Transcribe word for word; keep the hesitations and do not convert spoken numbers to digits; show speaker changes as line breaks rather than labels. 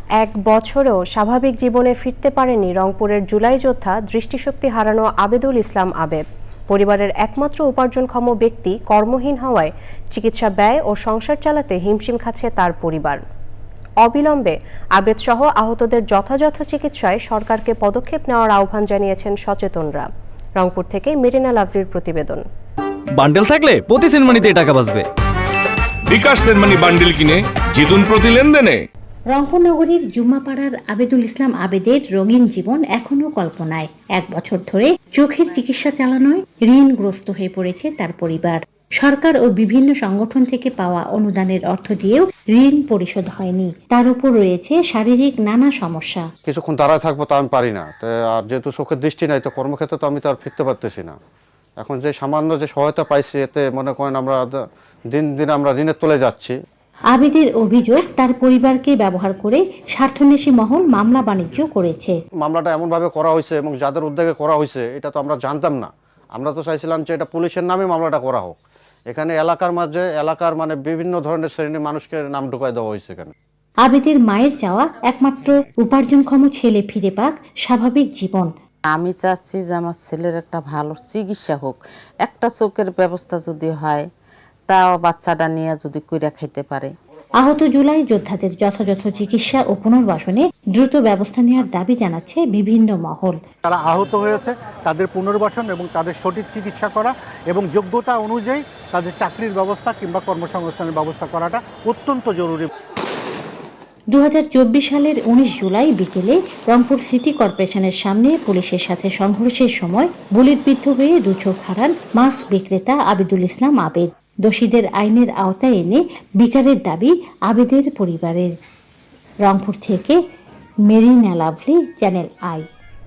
এক বছরেও স্বাভাবিক জীবনে ফিরতে পারেনি রংপুরের জুলাই যোদ্ধা দৃষ্টিশক্তি হারানো আবেদুল ইসলাম আবেদ। পরিবারের একমাত্র উপার্জনক্ষম ব্যক্তি কর্মহীন হওয়ায় চিকিৎসা ব্যয় ও সংসার চালাতে হিমশিম খাচ্ছে তার পরিবার। অবিলম্বে আবেদ সহ আহতদের যথাযথ চিকিৎসায় সরকারকে পদক্ষেপ নেওয়ার আহ্বান জানিয়েছেন সচেতনরা। রংপুর থেকে মেরিনা লাভলির প্রতিবেদন।
বান্ডেল থাকলে প্রতি সেনমানিতে টাকা বাঁচবে।
বিকাশ সেনমানি বান্ডেল কিনে জিতুন প্রতি লেনদেনে।
রংপুর নগরীর জুম্মাপাড়ার আবেদুল ইসলাম আবেদের রঙিন জীবন এখনো কল্পনায়। এক বছর ধরে চোখের চিকিৎসা চালানোয় ঋণগ্রস্ত হয়ে পড়েছে তার পরিবার। সরকার ও বিভিন্ন সংগঠন থেকে পাওয়া অনুদানের অর্থ দিয়েও ঋণ পরিশোধ হয়নি। তার উপর রয়েছে শারীরিক নানা সমস্যা।
কিছুক্ষণ দাঁড়ায় থাকবো তা আমি পারি না, আর যেহেতু চোখের দৃষ্টি নাই তো কর্মক্ষেত্রে তো আমি তো আর ফিরতে পারতেছি না। এখন যে সামান্য যে সহায়তা পাইছি এতে মনে করেন আমরা দিন দিন আমরা ঋণের তলে যাচ্ছি।
আবেদের অভিযোগ, তার পরিবারকে ব্যবহার করে স্বার্থন্বেষী মহল মামলা বাণিজ্য করেছে।
মামলাটা এমনভাবে করা হয়েছে এবং যাদের উদ্যোগে করা হয়েছে এটা তো আমরা জানতাম না। আমরা তো চাইছিলাম যে এটা পুলিশের নামে মামলাটা করা হোক। এখানে এলাকার মাঝে এলাকার মানে বিভিন্ন ধরনের শ্রেণীর মানুষকে নাম ঢুকাই দেওয়া হয়েছে এখানে।
আবেদের মায়ের চাওয়া একমাত্র উপার্জনক্ষম ছেলে ফিরে পাক স্বাভাবিক জীবন।
আমি চাচ্ছি যে আমার ছেলের একটা ভালো চিকিৎসা হোক, একটা চোখের ব্যবস্থা যদি হয় তাও বাচ্চাটা নিয়ে যদি কইরা খাইতে পারে।
আহত জুলাই যোদ্ধাদের যথাযথ চিকিৎসা ও পুনর্বাসনে দ্রুত ব্যবস্থা নেওয়ার দাবি জানাচ্ছে বিভিন্ন মহল।
তারা আহত হয়েছে, তাদের পুনর্বাসন এবং তাদের সঠিক চিকিৎসা করা এবং যোগ্যতা অনুযায়ী তাদের চাকরির ব্যবস্থা কিংবা কর্মসংস্থানের ব্যবস্থা করাটা অত্যন্ত জরুরি।
দু হাজার চব্বিশ সালের উনিশ জুলাই বিকেলে রংপুর সিটি কর্পোরেশনের সামনে পুলিশের সাথে সংঘর্ষের সময় বুলেটবিদ্ধ হয়ে দু চোখ হারান মাছ বিক্রেতা আবেদুল ইসলাম আবেদ। দোষীদের আইনের আওতায় এনে বিচারের দাবি আবেদের পরিবারের। রংপুর থেকে মেরিনা লাভলি, চ্যানেল আই।